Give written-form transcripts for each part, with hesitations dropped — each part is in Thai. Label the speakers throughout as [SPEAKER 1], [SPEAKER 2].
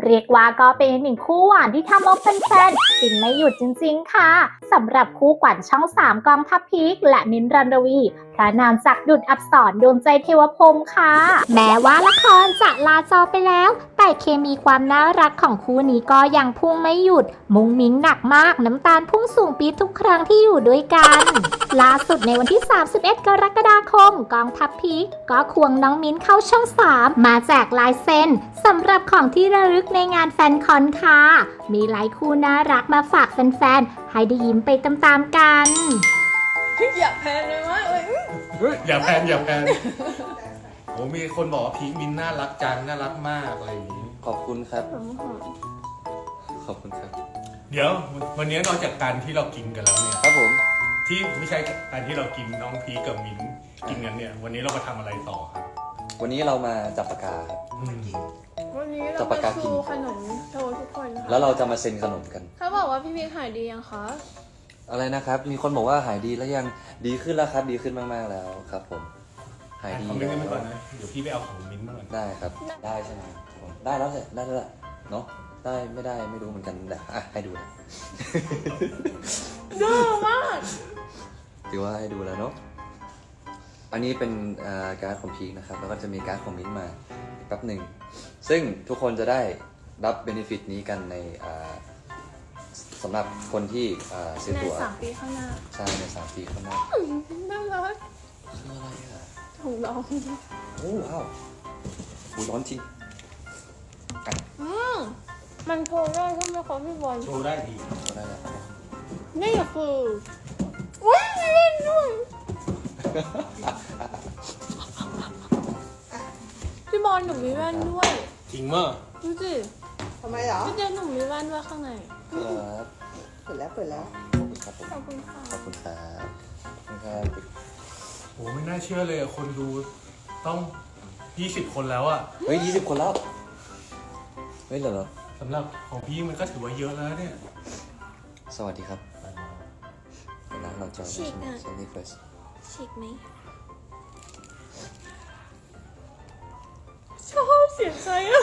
[SPEAKER 1] เรียกว่าก็เป็นอีกหนึ่งคู่หวานที่ทำเอาแฟนๆฟินไม่หยุดจริงๆค่ะสำหรับคู่ขวัญช่อง3กองทัพพีคและมิ้นท์ รันรวีพระนามศักดิ์ดุจอักษรดวงใจเทวพรหมค่ะแม้ว่าละครจะลาจอไปแล้วแต่เคมีความน่ารักของคู่นี้ก็ยังพุ่งไม่หยุดมุ้งมิ้งหนักมากน้ำตาลพุ่งสูงปี๊ดทุกครั้งที่อยู่ด้วยกันล่าสุดในวันที่31 กรกฎาคมกองทัพพีคก็ควงน้องมิ้นท์เข้าช่อง3มาแจกลายเซ็นสำหรับของที่ระลึกในงานแฟนคอนค่ะมีหลายคู่น่ารักมาฝากแฟนๆให้ได้ยิ้มไปตามๆกัน
[SPEAKER 2] อยากแพนเลยวะ
[SPEAKER 3] อย่าแพนโอ้มีคนบอกว่าพีคมินน่ารักจังน่ารักมากอะไรอย่างนี้
[SPEAKER 4] ขอบคุณครับ ขอบคุณครับ
[SPEAKER 3] เดี๋ยววันนี้นอกจากการที่เรากินกันแล้วเนี่ย
[SPEAKER 4] ครับผม
[SPEAKER 3] ที่ไม่ใช่การที่เรากินน้องพีคกับมินกินกันเนี่ย วันนี้เรามาทำอะไรต่อครับ
[SPEAKER 4] วันนี้เรามาจับปากกาครับ
[SPEAKER 2] วันนี้
[SPEAKER 4] จั
[SPEAKER 2] เรา
[SPEAKER 4] บ
[SPEAKER 2] ไป
[SPEAKER 4] ปากกากิน
[SPEAKER 2] ชูขนมโชว์ทุกคนค่ะ
[SPEAKER 4] แล้วเราจะมาเซ็นขนมกัน
[SPEAKER 2] เขาบอกว่าพี่พีคหายดียังคะ
[SPEAKER 4] อะไรนะครับ มีคนบอกว่าหายดีแล้วยังดีขึ้นแล้วครับ ดีขึ้นมากๆแล้วครับ ผม หายดี
[SPEAKER 3] เอาไม่ได้มาก่อนนะเดี๋ยวพี่ไปเอาของมินมาก่อน
[SPEAKER 4] ได้ครับ ได้ใช่ไหมผมได้แล้วแหละได้แล้วแหละเนาะได้ไม่ได้ไม่รู้เหมือนกันแต่อ่ะให้ดูนะ
[SPEAKER 2] ดื้อมาก
[SPEAKER 4] ถือว่าให้ดูแล้วเนาะอันนี้เป็นการ์ดของพีคนะครับแล้วก็จะมีการ์ดของมิ้นท์มาแป๊บหนึ่งซึ่งทุกคนจะได้รับเบนฟิตนี้กันในสำหรับคนที่ซื้อ
[SPEAKER 2] ใน
[SPEAKER 4] ตั๋ว
[SPEAKER 2] 3 ปีข้างหน้า
[SPEAKER 4] ใช่ใน3 ปีข้างหน้า
[SPEAKER 2] น่ารัก
[SPEAKER 4] คืออะไรอ่ะ
[SPEAKER 2] ถูกร้อง
[SPEAKER 4] โอ้ว้าวหูร้อนจริงอ่ะ
[SPEAKER 2] มันโชว์ได้ใช่ไหมคะพี่บอล
[SPEAKER 3] โชว์ได้ดี
[SPEAKER 4] ก็ได้แล้ว
[SPEAKER 2] นี่คืออุ้ยมีเล่นด้วยพี่บอลหนูมีแว่นด้วย
[SPEAKER 3] จริงมั้ย
[SPEAKER 2] ดูสิ
[SPEAKER 5] ทำไมเหรอ
[SPEAKER 2] พี่เจนหนูมีแว่นด้วยข้างใน
[SPEAKER 4] ครับ
[SPEAKER 5] เปิดแล้วเปิดแล้ว
[SPEAKER 4] ขอบคุณครับผม
[SPEAKER 2] ขอบคุณค่ะ
[SPEAKER 4] ขอบคุณครับขอบคุณครับ
[SPEAKER 3] โอ้ไม่น่าเชื่อเลยอะคนดูต้อง20 คนแล้วอะ
[SPEAKER 4] เฮ้ย20 คนแล้วเฮ้ยเหรอ
[SPEAKER 3] สำหรับของพี่มันก็ถือว่าเยอะแล้วเนี่ย
[SPEAKER 4] สวัสดีครับร้านเราจอยใช่ไหมเซนนี่เฟส
[SPEAKER 2] ฉีกไหมชอบเสียงใจอะ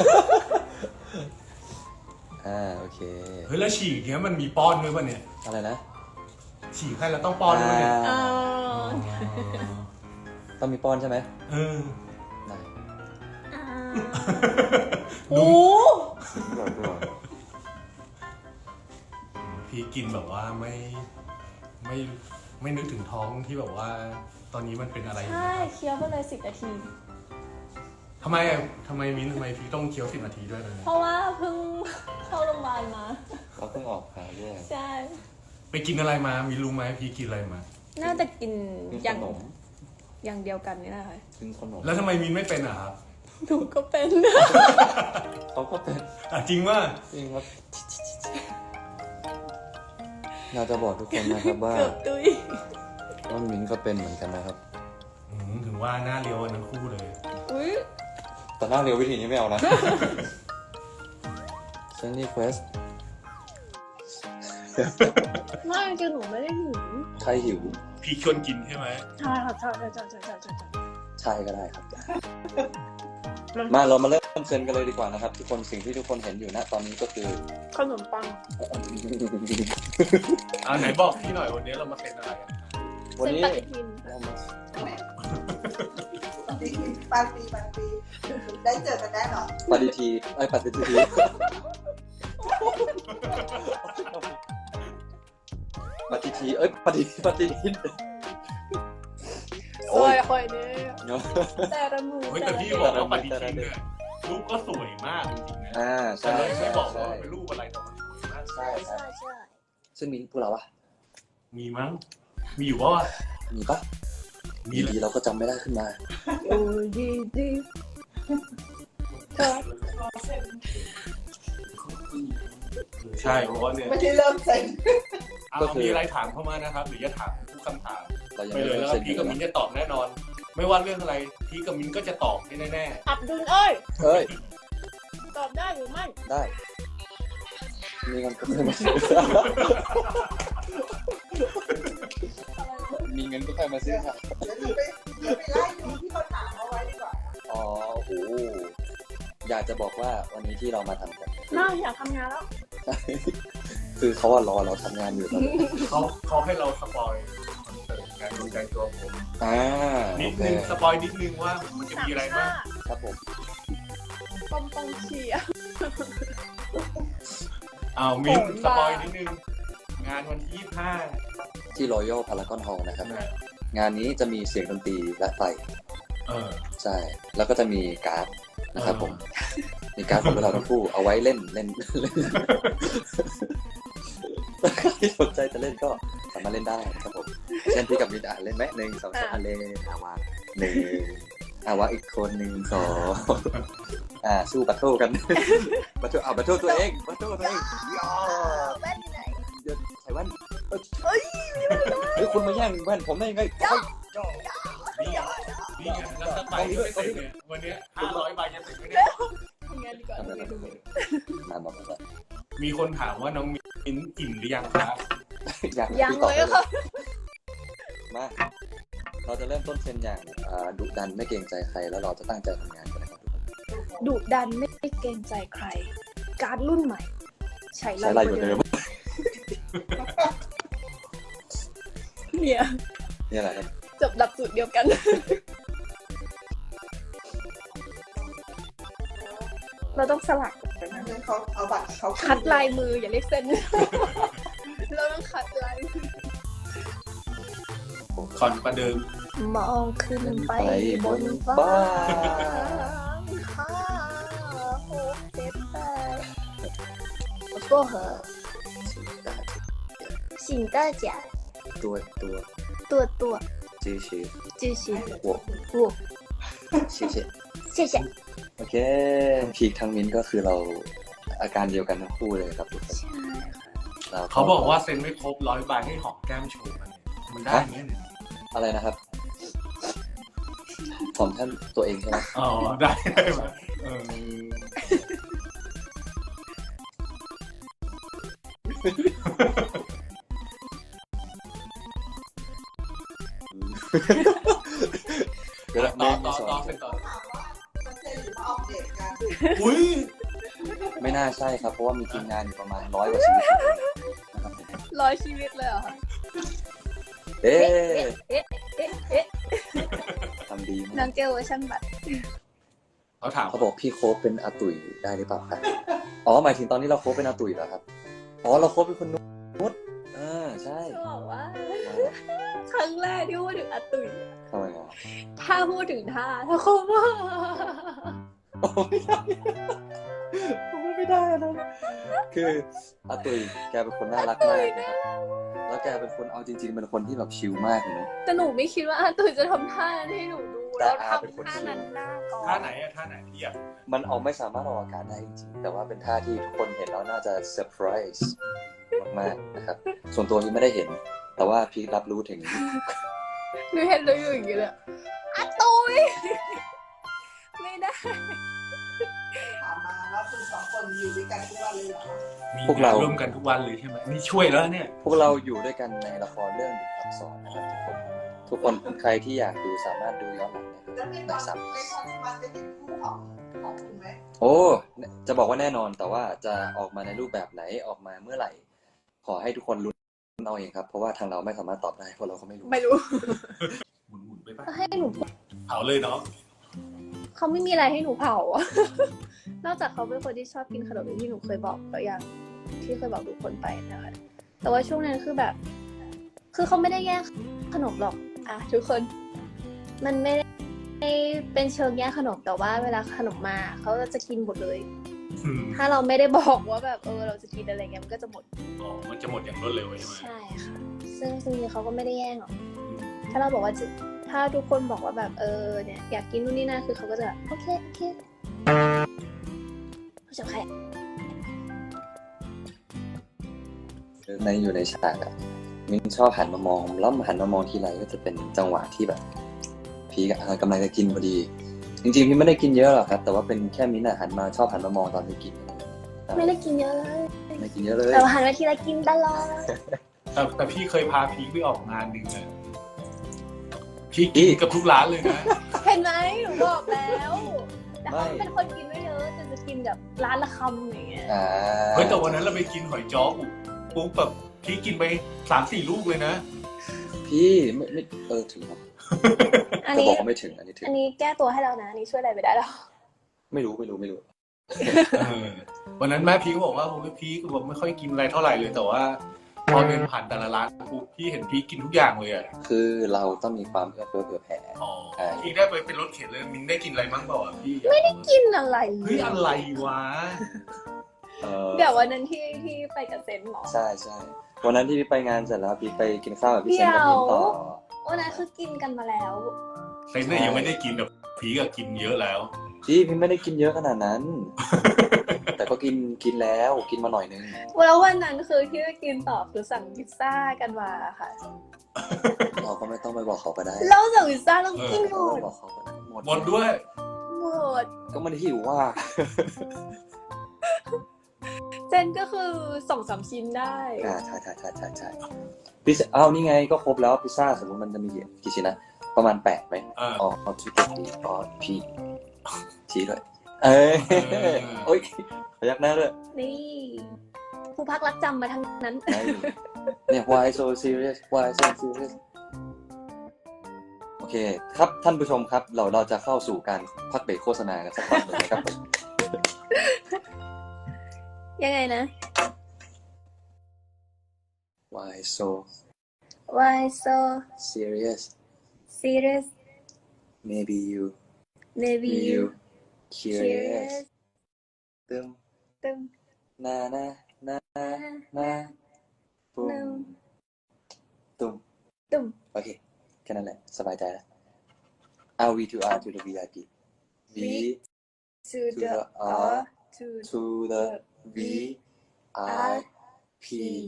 [SPEAKER 4] โอเค
[SPEAKER 3] เฮ้ยแล้วฉีกเนี้ยมันมีป้อนด้วยป่ะเนี่ย
[SPEAKER 4] อะไรนะ
[SPEAKER 3] ฉีกให้แล้วต้องป้อนด้วยเนี่ย
[SPEAKER 2] อ่า
[SPEAKER 4] ต้องมีป้อนใช่ไหม
[SPEAKER 3] เออ
[SPEAKER 4] ได้
[SPEAKER 2] โอ้
[SPEAKER 3] พี่กินแบบว่าไม่นึกถึงท้องที่แบบว่า ตอนนี้มันเป็นอะไรอยู่
[SPEAKER 2] ใช่
[SPEAKER 3] นะครับ
[SPEAKER 2] เคี้ยวไปเลย10 นาที
[SPEAKER 3] ทำไมมิ้นทำไมพี่ต้องเคี้ยว10 นาทีด้วยเลย
[SPEAKER 2] เพราะว่าเพิ่งเข้าโรงพยาบาลมา
[SPEAKER 4] เราเพิ่งออกหาด้วย
[SPEAKER 2] ใช่
[SPEAKER 3] ไปกินอะไรมามีรู้ไหมพี่กินอะไรมา
[SPEAKER 2] น่าจะกิน
[SPEAKER 4] กิน
[SPEAKER 2] อย่าง
[SPEAKER 4] ขนม
[SPEAKER 2] อย่างเดียวกันนี่แหละค่ะ
[SPEAKER 4] กินขนม
[SPEAKER 3] แล้วทำไมมิ้นไม่เป็นอ่ะครับ
[SPEAKER 2] หนูก็เป็น
[SPEAKER 4] เขาก็เป็น
[SPEAKER 3] อ่ะจริงว่า
[SPEAKER 4] จริงครับเราจะบอกทุกคนนะครับว่า
[SPEAKER 2] เกือบตุย
[SPEAKER 4] ว่ามิ้นก็เป็นเหมือนกันนะครับ
[SPEAKER 3] ถึงว่าหน้าเรียวกันทั้งคู่เลย
[SPEAKER 2] อุ้ย
[SPEAKER 4] แต่หน้าเร็ววิธีนี้ไม่เอานะ เซนนี่เฟส
[SPEAKER 2] ไม่คือหนูไม่ได้หิว
[SPEAKER 4] ใครหิว
[SPEAKER 3] พี่ชวนกินใช่ไหม
[SPEAKER 2] ใช่ค่ะใช่
[SPEAKER 4] ใช่ก็ได้ครับ มาเรามาเริ่มเซ็นกันเลยดีกว่านะครับ ทุกคนสิ่งที่ทุกคนเห็นอยู่ณตอนนี้ก็คือ
[SPEAKER 2] ขนมปัง
[SPEAKER 3] ไหนบอกพี่หน่อยวันนี้เรามาเป็นอะไรกัน
[SPEAKER 4] วันนี้
[SPEAKER 2] เส้นปฏิทิน
[SPEAKER 4] เรามา
[SPEAKER 5] บางปีได้เจอกันแน่นอน
[SPEAKER 4] ปฏิทีปฏิทีปฏิทีปฏิทิน
[SPEAKER 2] โอ้ยคอยเนี่ยแต่ละมือ
[SPEAKER 3] เฮ้ยแต่พี่บอกว่าปฏิทินเนี่ยรูปก็สวยมากจริงๆนะ
[SPEAKER 4] ใช่
[SPEAKER 3] แต่เราไม่บอกว่า
[SPEAKER 4] ใช่
[SPEAKER 3] เป็นรูปอะไรแต่มันสวยมาก
[SPEAKER 4] ใช่
[SPEAKER 2] ใช่ใช่
[SPEAKER 4] ซึ่งมีพวกเราอะ
[SPEAKER 3] มีมั้งมีอยู่ว่า
[SPEAKER 4] มีปะ
[SPEAKER 3] มี
[SPEAKER 4] ดีเราก็จำไม่ได้ขึ้นมา
[SPEAKER 2] โอ้ยดีครับ
[SPEAKER 3] ใช่เพราะว่าเนี่ย
[SPEAKER 5] ไม่ได้เริ่มเซ็น
[SPEAKER 3] มีอะไรถามเข้ามานะครับ หรือจะถามทุกคำถาม
[SPEAKER 4] เรายัง
[SPEAKER 3] ไป
[SPEAKER 4] ไม่
[SPEAKER 3] เลย
[SPEAKER 4] เริ่ม
[SPEAKER 3] แล้ว
[SPEAKER 4] เซ็น
[SPEAKER 3] พี่กับมิ้นจะตอบแน่นอน ไม่ว่าเรื่องอะไรพี่กับมิ้นก็จะตอบให้แน่
[SPEAKER 2] อับดุลเอ้ย
[SPEAKER 4] เฮ้ย
[SPEAKER 2] ตอบได้หรือไม่
[SPEAKER 4] ได้ มีเงินก็ค่อยมาซื้อ มีเงินก็ค่อยมาซื้อค่ะ
[SPEAKER 5] เดี๋ยวไปไล่ดูที่เขาถามเอาไว้ดีกว่า
[SPEAKER 4] อ๋อ โอ้โห อยากจะบอกว่าวันนี้ที่เรามาทำกัน
[SPEAKER 2] น่าอยากทำงานแล้ว
[SPEAKER 4] คือเขาว่ารอเราทำงานอยู่ตอนนี้
[SPEAKER 3] เขาให้เราสปอยคอนเสิร์ตงานดวงใจตัวผม นิ
[SPEAKER 4] โอ
[SPEAKER 3] ด
[SPEAKER 4] เค
[SPEAKER 3] นึงสปอยนิดนึงว่ามันจะมีอะไรบ้าง
[SPEAKER 4] ครับผม
[SPEAKER 2] ปอมปองเชียร์
[SPEAKER 3] มิ้น
[SPEAKER 2] โหดมาก
[SPEAKER 3] สปอยนิดนึง งานวันที่
[SPEAKER 4] ที่ Royal Paragon Hall นะครับ งานนี้จะมีเสียงดนตรีและไฟ
[SPEAKER 3] 25
[SPEAKER 4] ใช่ แล้วก็จะมีการ์ดนะครับผม มีการ์ดของพวกเราทั้งคู่เอาไว้เล่นถ้าใครที่สนใจจะเล่นก็สามารถเล่นได้นะครับผม เช่นพี่กับมินเล่นไหม1 2 3เล่นวางวางอีกคน1 2สู้บัตเทิลกันบัตเทิลตัวเองย่อ
[SPEAKER 2] แว่นอยู่ไหน
[SPEAKER 4] เดี๋ยวใส่แว่นเฮ้ยคุณมาแย่งแว่นผมได้ยังไงย่อ
[SPEAKER 3] นี่ไงแล้วถ้าไปไม่เสร็จเนี่ยวันเนี้ย500 ใบจะเสร็จไหมเนี่ย
[SPEAKER 2] ทำงานดีกว่า
[SPEAKER 4] มาบอกว่า
[SPEAKER 3] มีคนถามว่าน้องมิ้นอิ่มหรือยังครับ
[SPEAKER 2] ยังเลยค่ะ
[SPEAKER 4] มาเราจะเริ่มต้นเซนอย่างดุดันไม่เกรงใจใครแล้วเราจะตั้งใจทำงานกันนะครับทุกคน
[SPEAKER 2] ดุดันไม่เกรงใจใคร การ์ดรุ่นใหม่ ใช้
[SPEAKER 4] ใช้ลายอยู่เดิม
[SPEAKER 2] เนี่ย
[SPEAKER 4] นี่แหละครับ
[SPEAKER 2] จบหลักสูตรเดียวกัน เราต้องสลักไปนะ
[SPEAKER 5] เขาเอาบัตรเขา
[SPEAKER 2] คัดลายมืออย่าเรียกเส้น เราต้องคัดลายมือ
[SPEAKER 3] คอนประเดิม
[SPEAKER 2] มองขึ้นไปบนฟ้าห้าหกเจ็ดแปดแล้วก็เหอะ醒大家
[SPEAKER 4] ตัว
[SPEAKER 2] ตัว
[SPEAKER 4] 支持
[SPEAKER 2] 支持
[SPEAKER 4] 我
[SPEAKER 2] 我
[SPEAKER 4] 谢谢
[SPEAKER 2] 谢谢
[SPEAKER 4] โอเคพีคทั้งมิ้นก็คือเราอาการเดียวกันทั้งคู่เลยครับทุกคน
[SPEAKER 2] ใช่ค่ะ
[SPEAKER 3] เขาบอกว่าเซ็นไม่ครบ100 ใบให้หอมแก้มโชว์กันเนี่ยมันได้ไหมเนี่ย
[SPEAKER 4] อะไรนะครับผมท่านตัวเองใช่ไหม
[SPEAKER 3] อ๋อได้ไหม
[SPEAKER 4] เดี๋ยว
[SPEAKER 3] ต่อ
[SPEAKER 4] ไม่สอน
[SPEAKER 3] เซ็นต่อ
[SPEAKER 5] มันเซ็นหรือมาออกเดทกัน
[SPEAKER 3] อุ้ย
[SPEAKER 4] ไม่น่าใช่ครับเพราะว่ามีทีมงานอยู่ประมาณ100 กว่าชีวิตนะครับผม
[SPEAKER 2] 100 ชีวิตเลยเหรอคะ
[SPEAKER 4] เอ๊ะ
[SPEAKER 2] เอ๊ะ
[SPEAKER 4] ทำดี
[SPEAKER 2] น้
[SPEAKER 4] มา
[SPEAKER 2] อก งเกลเวอร์ชันบัตร
[SPEAKER 3] เขาถาม
[SPEAKER 4] เขาบอกพี่โค้ชเป็นอาตุ๋ยได้หรือเปล่าครับอ๋อหมายถึงตอนนี้เราโค้ชเป็นอาตุ๋ยแล้วครับอ๋อเราโค้ชเป็นคนนุชใช่
[SPEAKER 2] จะบอกว่า ครั้งแรกที่พูดถึงอาตุ๋ย
[SPEAKER 4] ทำไมอ่ะ
[SPEAKER 2] ถ้าพูดถึงท่าถ้าโคมว่า
[SPEAKER 4] โอ้ไม่ได้ไม่ได้นะคืออาตุ๋ยแกเป็นคนน่ารักมากนะครับแล้วแกเป็นคนเอาจริงๆเป็นคนที่แบบชิลมากเลยนะ
[SPEAKER 2] แต่หนูไม่คิดว่าอาตุ๋ยจะทำท่านั้นให้หนูดู
[SPEAKER 4] แต่
[SPEAKER 2] แล้ว
[SPEAKER 4] อาเป็นคน
[SPEAKER 2] ทำท่านั้นหน้าก่อน
[SPEAKER 3] ท่าไหนอะท่าไหนที่อยาก
[SPEAKER 4] มันเอาไม่สามารถออกอาการได้จริงๆแต่ว่าเป็นท่าที่ทุกคนเห็นแล้วน่าจะเซอร์ไพรส์มากๆนะครับส่วนตัวนี้ไม่ได้เห็น แต่ว่าพีครับรู้ถึง
[SPEAKER 2] หนูเห็นเลยอยู่อย่างเงี้ยเลยอาตุ๋ยไม่ได้
[SPEAKER 5] ถามมาว่าคุณสองคนอยู่ด้วยกันทุกวันเลยเหรอ
[SPEAKER 3] มี
[SPEAKER 4] พวกเรา
[SPEAKER 3] ร่วมกันทุกวันเลยใช่ไหมนี่ช่วยแล้วเนี่ย
[SPEAKER 4] พวกเราอยู่ด้วยกันในละครเรื่องดุจอักษรนะครับทุกคนใครที่อยากดูสามารถดูย้อนหลังได้
[SPEAKER 5] แล้วในต
[SPEAKER 4] ใน
[SPEAKER 5] อน
[SPEAKER 4] ซ้
[SPEAKER 5] ในตอนมันจะเห็นคู่ของคุณไหม
[SPEAKER 4] ำโอ้จะบอกว่าแน่นอนแต่ว่าจะออกมาในรูปแบบไหนออกมาเมื่อไหร่ ขอให้ทุกคนลุ้นเอาเองครับเพราะว่าทางเราไม่สามารถตอบได้เพราะเราก็ไม่รู้
[SPEAKER 2] ไม่รู้
[SPEAKER 3] หมุนๆไปปะ
[SPEAKER 2] ให้หนู
[SPEAKER 3] เผาเลยเนาะ
[SPEAKER 2] เขาไม่มีอะไรให้หนูเผาอะ นอกจากเขาเป็นคนที่ชอบกินขนมอย่างที่หนูเคยบอกไปอย่างที่เคยบอกทุกคนไปนะคะแต่ว่าช่วงนั้นคือแบบ คือเขาไม่ได้แย่งขนมหรอกอ่ะทุกคน มันไม่ได้เป็นเชิงแย่งขนมแต่ว่าเวลาขนมมาเขาจะกินหมดเลย ถ้าเราไม่ได้บอกว่าแบบเราจะกินอะไรเงี้ยมันก็จะหมด
[SPEAKER 3] อ๋อมันจะหมดอย่างรวดเร็วใช่ไหม
[SPEAKER 2] ใช่ค่ะซึ่งจริงๆเขาก็ไม่ได้แย่งหรอกถ้าเราบอกว่าถ้าทุกคนบอกว่าแบบเนี่ยอยากกินนู่นนี่นั่นคือเขาก็จะแบบโอเคเขาจะใคร
[SPEAKER 4] ในอยู่ในฉากอะมิ้นชอบหันมามองแล้วหันมามองทีไรก็จะเป็นจังหวะที่แบบพีกกำลังจะกินพอดี จริงๆพี่ไม่ได้กินเยอะหรอกครับแต่ว่าเป็นแค่มิ้นอะชอบหันมามองตอนที่กิน
[SPEAKER 2] ไม่ได้กินเยอะเลย
[SPEAKER 4] ไม่กินเยอะเลย
[SPEAKER 2] แต่ว่าหันมาทีละกินตลอด
[SPEAKER 3] แต่พี่เคยพาพีคไปออกงานหนึ่งอะพีคกินกับทุกร้านเลยนะ
[SPEAKER 2] เห็นไหมหนูบอกแล้วแต่เขาเป็นคนกินไม่เยอะแต่จะกินกินกับร้านละคำอย่างเงี้ย
[SPEAKER 3] เฮ้ยแต่วันนั้นเราไปกินหอยจ้อปุ๊บแบบพี่กินไป3-4 ลูกเลยนะ
[SPEAKER 4] พี่ไม่ถึงครับ
[SPEAKER 2] อัน
[SPEAKER 4] จะ
[SPEAKER 2] นี้
[SPEAKER 4] บอกว่าไม่ถึงอันนี้ถึง
[SPEAKER 2] อันนี้แก้ตัวให้เรานะอันนี้ช่วยอะไรไม่ได้แล้ว
[SPEAKER 4] ไม่รู้
[SPEAKER 3] วันนั้นแม่พีก็บอกว่าผมไม่พีก็บอกไม่ค่อยกินอะไรเท่าไหร่เลยแต่ว่าพอเดินผ่านแต่ละร้านปุ๊บพี่เห็นพีกินทุกอย่างเลยอ่ะ
[SPEAKER 4] คือเราต้องมีความเอื้อเฟื้อเผื่อแผ่
[SPEAKER 3] อ๋อพีได้ไปเป็นรถเข็นเลยมินได้กินอะไรบ้างเปล่าอ่ะพี่
[SPEAKER 2] ไม่ได้กินอะไร
[SPEAKER 3] เฮ้ยอะไรวะ
[SPEAKER 2] เดี๋ยววันนั้นที่ไปกับเซนหมอ
[SPEAKER 4] ใช่วันนั้นที่พี่ไปงานเสร็จแล้วพี่ไปกินข้าวกับพี่เซนกับพี่ต่อ
[SPEAKER 2] วันนั้นคือกินกันมาแล้ว
[SPEAKER 3] เซนเนี่ยยังไม่ได้กินแบบพีก็กินเยอะแล้ว
[SPEAKER 4] พี่ไม่ได้กินเยอะขนาดนั้น แต่ก็กินแล้วกินมาหน่อยนึง
[SPEAKER 2] แล้ววันนั้นคือที่ไปกินต่อคือสั่งพิซซ่ากันมาค่ะ
[SPEAKER 4] เราก็ไม่ต้องไปบอกเขาก็ได้
[SPEAKER 2] เราสั่งพิซซ่าเรากินหม
[SPEAKER 4] ไม่
[SPEAKER 2] ด
[SPEAKER 4] บอกเขาก็ได้หมด
[SPEAKER 3] หมดด้วย
[SPEAKER 2] หมด
[SPEAKER 4] ก็มันหิวว่า
[SPEAKER 2] เซนก็คือ2-3 ชิ้นได้
[SPEAKER 4] ใช่พิซซ่าอ้าวนี่ไงก็ครบแล้วพิซซ่าสมมติมันจะมีกี่ชิ้นนะประมาณ8ไหมอ๋อที่พี่ชี้ด้วยโอ๊ยพยักหน้าด้วย
[SPEAKER 2] นี่ผู้พักรักจำมาทั้งนั้น
[SPEAKER 4] เนี่ย why so serious โอเคครับท่านผู้ชมครับเราจะเข้าสู่การพักเบรกโฆษณากันสักพักหนึ่งนะครับ
[SPEAKER 2] ยังไงนะ
[SPEAKER 4] why so
[SPEAKER 2] Why so
[SPEAKER 4] serious
[SPEAKER 2] serious
[SPEAKER 4] maybe you curious ตึม
[SPEAKER 2] ตึม
[SPEAKER 4] นาปุ้มตุ้ม
[SPEAKER 2] ตุ่ม
[SPEAKER 4] โอเคแค่นั้นแหละสบายใจแล้ว R V to R to the VIP V
[SPEAKER 2] to the R to
[SPEAKER 4] to the V I P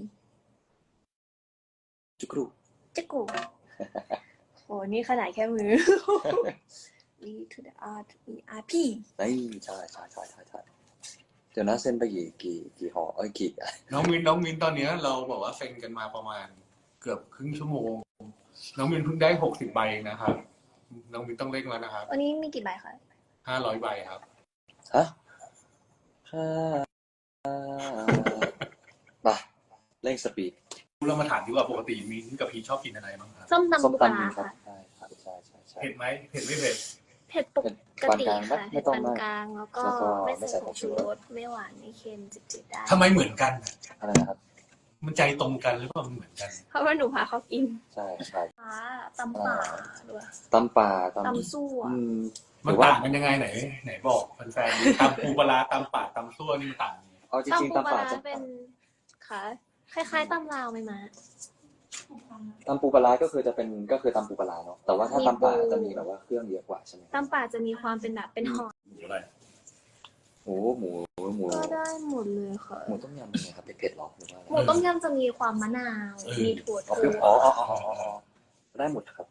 [SPEAKER 4] จุกรู
[SPEAKER 2] จิกกูโหนี่ขนาดแค่มือ V to the R to E R P
[SPEAKER 4] นี่ใช่เดี๋ยวนะเส้นไปกี่ห่อกี่
[SPEAKER 3] น้องมินตอนเนี้ยเราบอกว่าเซ็นกันมาประมาณเกือบครึ่งชั่วโมงน้องมินเพิ่งได้60 ใบนะครับน้องมินต้องเร่งแล้วนะครับ
[SPEAKER 2] วันนี้มีกี่ใบคะ
[SPEAKER 3] 500 ใบครับ
[SPEAKER 4] ฮะมาเร่งสปีด
[SPEAKER 3] เรามาถามดีกว่าปกติมินกับพีชอบกินอะไรบ้างครับ
[SPEAKER 2] ส้มตำ
[SPEAKER 4] ส้ม
[SPEAKER 2] ปูปลา
[SPEAKER 4] ตำครับ
[SPEAKER 2] ค่ะ
[SPEAKER 4] ใช่
[SPEAKER 3] เผ็ดไหมเผ็ดไม่เผ็ด
[SPEAKER 2] เผ็ดปกติค่ะ
[SPEAKER 4] ไม่
[SPEAKER 2] เผ็ด
[SPEAKER 4] ต้อง
[SPEAKER 2] ปาน
[SPEAKER 4] มาก
[SPEAKER 2] กลางแล้วก็
[SPEAKER 4] แล้วก็
[SPEAKER 2] ไม่
[SPEAKER 4] ไม่ใส่
[SPEAKER 2] ใส่
[SPEAKER 4] ผ
[SPEAKER 2] ผ
[SPEAKER 4] ง
[SPEAKER 2] ง
[SPEAKER 4] ชู
[SPEAKER 2] ชู
[SPEAKER 4] ร
[SPEAKER 2] ร
[SPEAKER 4] ส
[SPEAKER 2] สไม่หวานไม่เค็มจืดๆได้
[SPEAKER 3] ทำไมเหมือนกัน
[SPEAKER 4] อะไรนะครับ
[SPEAKER 3] มันใจตรงกันหรือเปล่ามันเหมือนกัน
[SPEAKER 2] เพราะว่าหนูพาเขากิน
[SPEAKER 4] ใช่
[SPEAKER 2] ตำป่าด้วย
[SPEAKER 4] ตำป่า
[SPEAKER 2] ตำซั่ว
[SPEAKER 3] มันต่างกันยังไงไหนบอกแฟนๆตำปูปลาร้าตำป่าตำซั่วนี่มันต่างยังไง
[SPEAKER 4] เอาจริงๆ
[SPEAKER 2] ตำปูปลา
[SPEAKER 4] ตำป่า
[SPEAKER 2] ร้า
[SPEAKER 4] จะ
[SPEAKER 2] เป็นค่ะคล้ายๆตำลาวไหมมา
[SPEAKER 4] ตำปูปลาร้าก็คือจะเป็นก็คือตำปูปลาร้าเนาะแต่ว่าถ้าตำป่าจะมีแบบว่าเครื่องเยอะกว่าใช่ไหม
[SPEAKER 2] ตำป่าจะมีความเป็นแบบเป็นห่อ
[SPEAKER 3] หมูอะไร
[SPEAKER 4] หมู
[SPEAKER 2] ก็ได้หมดเลยค่ะ
[SPEAKER 4] หมูต้มยำเป็นไงครับเผ็ดๆหรอหรือว่าอะไร
[SPEAKER 2] หมูต้มยำจะมีความมะนาว มีถั่ว
[SPEAKER 4] อ๋อ
[SPEAKER 2] ถั่ว
[SPEAKER 4] ได้หมดครับ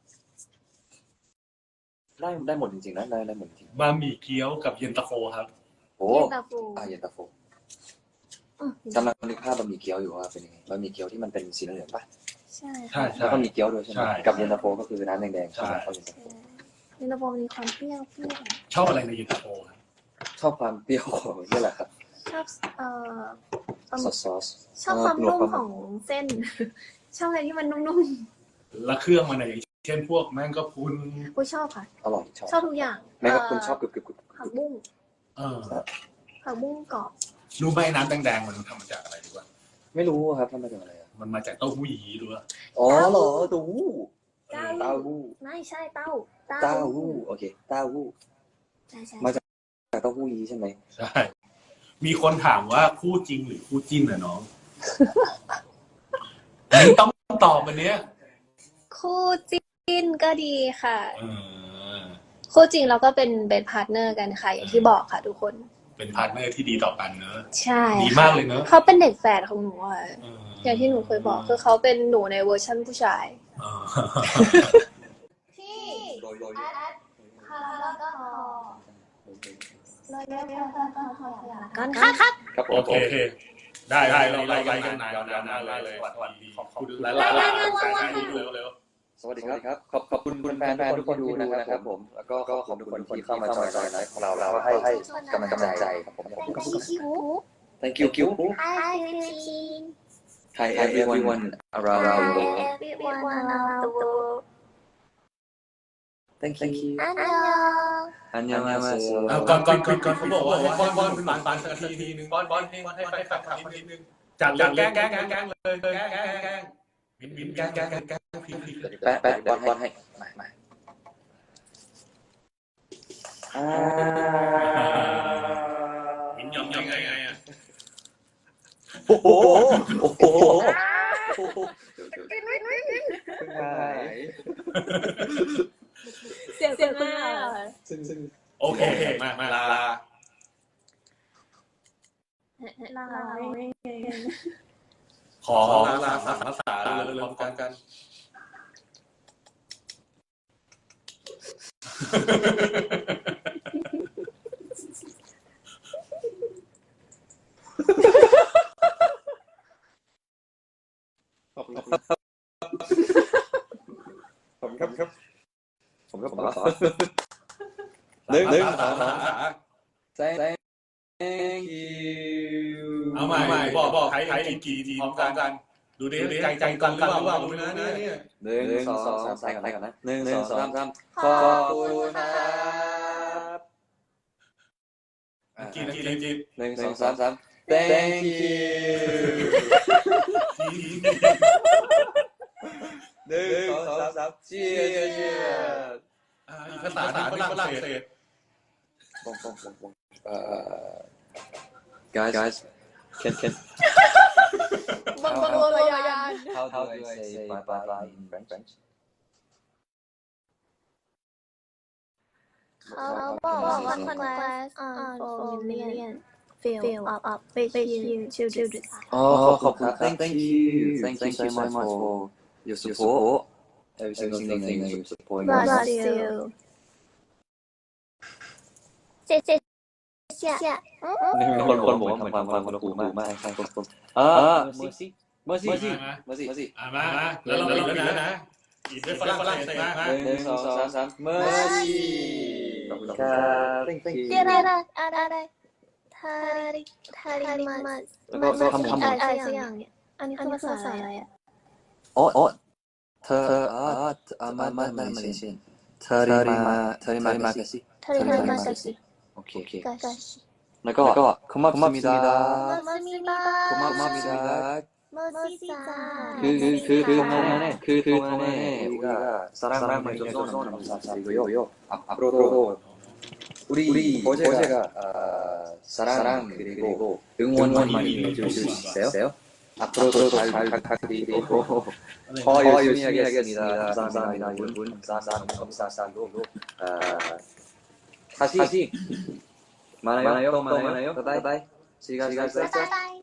[SPEAKER 4] ได้หมดจริงๆนะได้หมดจริง
[SPEAKER 3] บะหมี่เกี๊ยวกับเย็นตาโฟครับ
[SPEAKER 4] โอ้
[SPEAKER 2] เย็นตาโฟ
[SPEAKER 4] เย็นตาโฟ
[SPEAKER 2] อืม
[SPEAKER 4] กำลังนึกภาพบะหมี่เกี๊ยวอยู่ว่าเป็นยังไงบะหมี่เกี๊ยวที่มันเป็นสีเหลืองๆป่ะ
[SPEAKER 2] ใช่
[SPEAKER 3] ใช่
[SPEAKER 2] ค่ะ
[SPEAKER 4] แล้วก็มีเกี๊ยวด้วยใช่ไหม
[SPEAKER 3] ใช่
[SPEAKER 4] กับเย็นตาโฟก็คือน้ำแดงๆ
[SPEAKER 3] ใช่
[SPEAKER 4] เข้าเย็นตาโฟ
[SPEAKER 2] เย็นตาโฟมีความเปรี้ยว
[SPEAKER 3] ชอบอะไรในเย็นตาโฟครับ
[SPEAKER 4] ชอบความเปรี้ยวของนี่แหละครับ
[SPEAKER 2] ชอบ
[SPEAKER 4] ซอส
[SPEAKER 2] ชอบความนุ่มของเส้น ชอบอะไรที่มันนุ่ม
[SPEAKER 3] แล้วเครื่องมันไหนเช่นพวกแมงกะพรุน
[SPEAKER 2] ๆกูชอบค่ะ
[SPEAKER 4] อร่อย
[SPEAKER 2] ชอบทุกอย่าง
[SPEAKER 4] แม้ว่าคุณชอบกรึบ
[SPEAKER 2] ผักบุ้ง ผักบุ้งกรอบ
[SPEAKER 3] รู้ไหมน้ำแดงๆมันทำมาจากอะไรรู้ป่ะ
[SPEAKER 4] ไม่รู้ครับทำมาจากอะไรอ่ะ
[SPEAKER 3] มันมาจากเต้าหู้ยี้ด้วย
[SPEAKER 4] อ๋อเหรอเต้าหู้
[SPEAKER 2] เต้า
[SPEAKER 4] เต้าหู้
[SPEAKER 2] ไม่ใช่เต้า
[SPEAKER 4] เต้าหู้โอเคเต้าหู้
[SPEAKER 2] ใช่ใช่
[SPEAKER 4] มาจากเต้าหู้ยี้ใช่ไหม
[SPEAKER 3] ใช่มีคนถามว่าคู่จริงหรือคู่จิ้นน่ะน้อง มึงต้องตอบอันเนี้ย
[SPEAKER 2] คู่จิ้นก็ดีค่ะ
[SPEAKER 3] เออ
[SPEAKER 2] คู่จริงเราก็เป็นพาร์ทเนอร์กันค่ะ อย่างที่บอกค่ะทุกคน
[SPEAKER 3] เป็นพาร์ทเนอร์ที่ดีต่อกันเนอะ
[SPEAKER 2] ใช่
[SPEAKER 3] ดีมากเลยเนอะ
[SPEAKER 2] เขาเป็นเด็กแฝดของหนูค่ะ
[SPEAKER 3] เออ
[SPEAKER 2] อย่างที่หนูเคยบอกคือเขาเป็นหนูในเวอร์ชั่นผู้ชาย
[SPEAKER 3] เออ
[SPEAKER 2] พี่
[SPEAKER 4] โรย
[SPEAKER 2] ค่ะแล้วก็กันค่ะครับ
[SPEAKER 4] ครับผม
[SPEAKER 3] โอเค ได้เราไล่กันนานเลยสวัสดีขอบคุณหลายๆแฟนๆเร็ว
[SPEAKER 4] สวัสดีครับขอบคุณแฟนทุกคนที่ดูนะครับผมแล้วก็ขอบคุณทุกคนที่เข้ามาจอยไลฟ์ของเราให้กำลังใจครับผม Thank you
[SPEAKER 6] Hi, Christine.
[SPEAKER 4] Hi everyone around the world
[SPEAKER 6] Everyone around the world.
[SPEAKER 4] Thank you
[SPEAKER 6] Annyeong.
[SPEAKER 4] 안녕하세요
[SPEAKER 3] ก่อนเขาบอกว่าให้ป้อนเป็นปันสักทีนึงป้อนให้แฟนคลับนิดนึงจัดแกล้งเลยแกล้งวินแกล้งพี่
[SPEAKER 4] แปะบอลให้มา
[SPEAKER 3] วินยอมยังไงอ่ะ
[SPEAKER 4] โอ้โห
[SPEAKER 2] เสียงคุณแม่
[SPEAKER 3] โอเคมาลา ขอลาภาษาเร็วๆกัน
[SPEAKER 4] ผมครับหนึ่ง Thank you
[SPEAKER 3] เอาใหม่บอกใครกี่ทีพร้อมกัน ดูดิใจกันหรือเปล่าดูนะเนี่ย
[SPEAKER 4] 1 2 3ใส่ก่อนนะ1 2 3ขอบคุณครับ
[SPEAKER 3] กิน
[SPEAKER 4] 1 2 3 Thank you 1 2 3 Cheers
[SPEAKER 3] ภาษาฝรั่งเศส
[SPEAKER 4] Guys can how do I say bye in French
[SPEAKER 6] เขาบอกว่า congrats on 4 million fill up with you children.
[SPEAKER 4] ขอบคุณครับ Thank you so much for your support every single thing you support
[SPEAKER 6] Bless you. 谢谢。
[SPEAKER 4] คนบอกว่าเหมือนฟังคนละหูมากใช่ครับMercy
[SPEAKER 3] มาแล้วเราอีกแล้วนะอีกด้วยฝรั่งเศสนะ
[SPEAKER 4] 1 2 3 Mercy ขอบคุณครับ Thank you
[SPEAKER 6] อะไรทาริมัส
[SPEAKER 4] แล้วก็ทำ
[SPEAKER 6] อะไรสักอย่างเนี่ยอันนี้คือภาษาอะไรอ่ะ
[SPEAKER 4] เธอมาเลเซียเธอริมากาซิ
[SPEAKER 6] ทาริมัส
[SPEAKER 4] โอเค
[SPEAKER 6] กาชิ
[SPEAKER 4] แล้วก็고맙습니다
[SPEAKER 6] มัสมิดา
[SPEAKER 4] 고맙습니다
[SPEAKER 6] มัสซิซา
[SPEAKER 4] 그 동안에 우리가 사랑을 줘서 너무 감사드리고요. 앞으로도 우리 버제가 사랑 그리고 응원 많이 해줄 수 있어요? 앞으로도 잘 부탁드리고 더 열심히 하겠습니다. 감사합니다, 여러분. 감사합니다. 다시 많아요. 또 많아요. 바이바이. 지금까지
[SPEAKER 6] บ๊ายบาย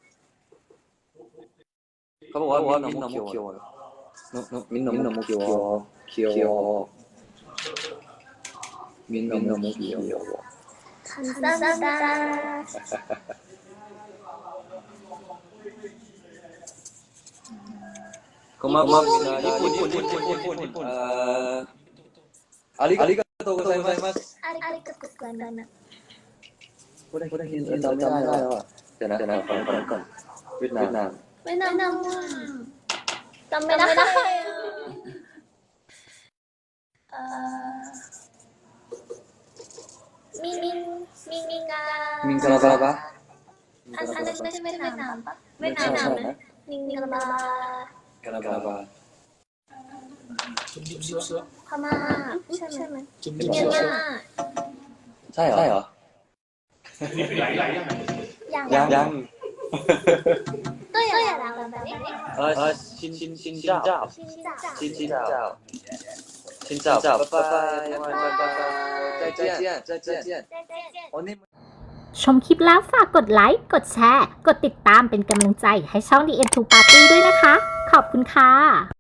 [SPEAKER 4] เขาบอกว่ามิ้น너무 귀여워요.มิ้น너무 귀여워.มิ้น너무 귀여워.
[SPEAKER 6] 감사합니다.
[SPEAKER 4] 고맙습니다. 일본. 아리가또 고자이마스.
[SPEAKER 6] 아리가또 고자이마스.
[SPEAKER 4] 저는จำไม่ได้แล้วอ่ะเดี๋ยวนะก่อนเวียดนาม
[SPEAKER 6] จำไม่ได้มิงกาลาบา อันนั้นไม่ใช่เวียดนามปะเวียดนามนะมิงกาลาบาพม่าใช่ไหมเมียนมา
[SPEAKER 4] ใช่เหรอ ยัง
[SPEAKER 6] ก็อย่าดังแบบนี้
[SPEAKER 4] ชินเจ้าบ๊ายบาย再见
[SPEAKER 1] ชมคลิปแล้วฝากกดไลค์ กดแชร์ กดติดตามเป็นกำลังใจให้ช่อง The End to Party ด้วยนะคะ ขอบคุณค่ะ